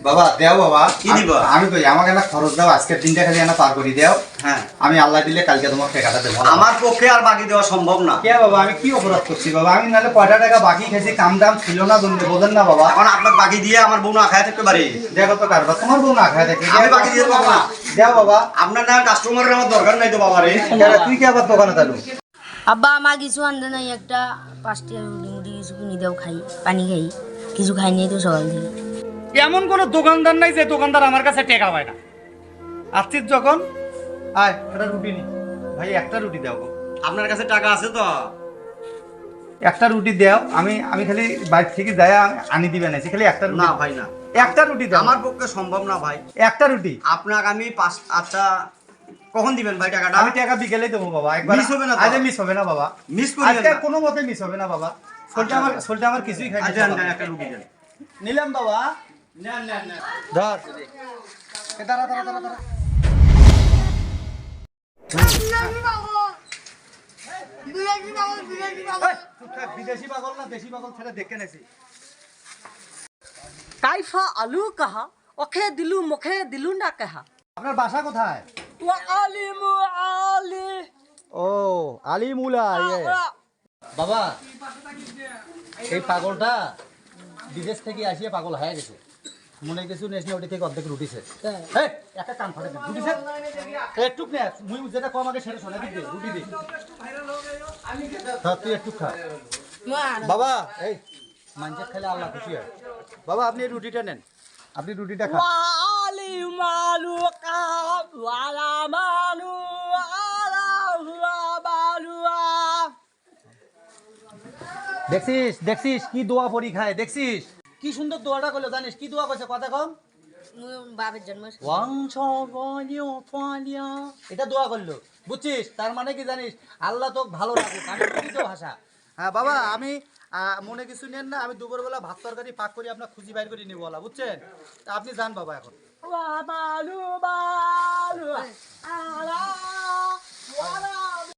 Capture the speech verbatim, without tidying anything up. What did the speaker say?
বাবা দেও বাবা কি দিবা আমি কই আমাকে না খরচ দাও আজকের দিনটা খালি না পার করে দাও। হ্যাঁ আমি আল্লাহ দিলে কালকে তোমার টাকাটা দেব। আমার পক্ষে আর বাকি দেওয়া সম্ভব না। কে বাবা আমি কি অপরাধ করছি বাবা? আমি নালে কয়টা টাকা বাকি খাইছি, কাম দাম ছিল না জন্য বোঝেন না বাবা। এখন আপনার বাকি দিয়ে আমার বউ না খায় থাকতে পারে? দেখো তো কারবার তোমার বউ না খায় থাকে, আমি বাকি দিয়ে দেবো না। দেও বাবা। আপনার না কাস্টমারের আমার দরকার নাই তো বাবা রে। তুই কি আবার দোকানে চালু? আব্বা আমার কিছু আনতে নাই, একটা পাঁচটি রুটি মুটি কিছু কিনে দাও, খাই পানি খাই, কিছু খাই নাই তো সকাল থেকে। এমন কোন দোকানদার নাই যে দোকানদার আমার কাছে টাকা পায় না। আসছিস যখন আয় একটা রুটি নি ভাই, একটা রুটি দাও গো। আপনার কাছে টাকা আছে তো? একটা রুটি দাও, আমি আমি খালি বাইরে থেকে যাই আনি দিবেন না, খালি একটা রুটি। না ভাই না, একটা রুটি দাও। আমার পক্ষে সম্ভব না ভাই। একটা রুটি আপনাকে আমি পাঁচ আচ্ছা কখন দিবেন ভাই টাকাটা? আমি টাকা বিকেলে দেবো বাবা, একবার মিস হবে না তো? আজ মিস হবে না বাবা, মিস করিয়েন আজকে না। কোনো মতে মিস হবে না বাবা। সোলটা আমার সোলটা আমার কিছুই খাই আচ্ছা দেন একটা রুটি দেন। নিলাম বাবা। নেন নেন নেন। ধর এ দাঁড়া দাঁড়া দাঁড়া দাঁড়া। এই, চুপ থাক, বিদেশি পাগল না দেশি পাগল ছেড়ে দেখে নেছি। কাইফা আলু কাহা ওখে দিলু মুখে দিলু না কাহা আপনার বাসা কোথায়? ওয়া আলিমু আলি ও আলিমুলা। ইয়ে বাবা, এই পাগলটা বিদেশ থেকে আসিয়া পাগল হয়ে গেছে, মনে কিছু নেস না, ওটি থেকে অর্ধেক রুটিছে। এই, একটা কান ফাটে দে, রুটিছে একটু নে, মুই যেটা কম আগে সেটা শোনা দিবি, রুটি দে। হ্যাঁ তুই একটু খা বাবা। এই মাঞ্জা খেলে আল্লাহ খুশি হয় বাবা। আপনি এই রুটিটা নেন, আপনি রুটিটা খান। ওয়া আলিমু আলু কাহা ওয়ালা মানু আলা হুয়া বালুয়া। দেখছিস দেখছিস কি দোয়া পরি খায়, দেখছিস কি সুন্দর দোয়াটা করলো, জানিস কি দোয়া কইছে কথা কম? বাপের জন্ম ওয়াংশ বনিও ফালিয়া, এটা দোয়া করলো, বুঝছিস? তার মানে কি জানিস, আল্লাহ তোকে ভালো রাখুক। আমি বুঝি তো ভাষা। হ্যাঁ বাবা, আমি আহ, মনে কিছু নেন না, আমি দুপুরবেলা ভাত তরকারি পাক করে আপনার খুঁজি বাইর করে নিব বলা, বুঝছেন? তা আপনি যান বাবা এখন। ওয়া বালু বালু আলা ওয়ালা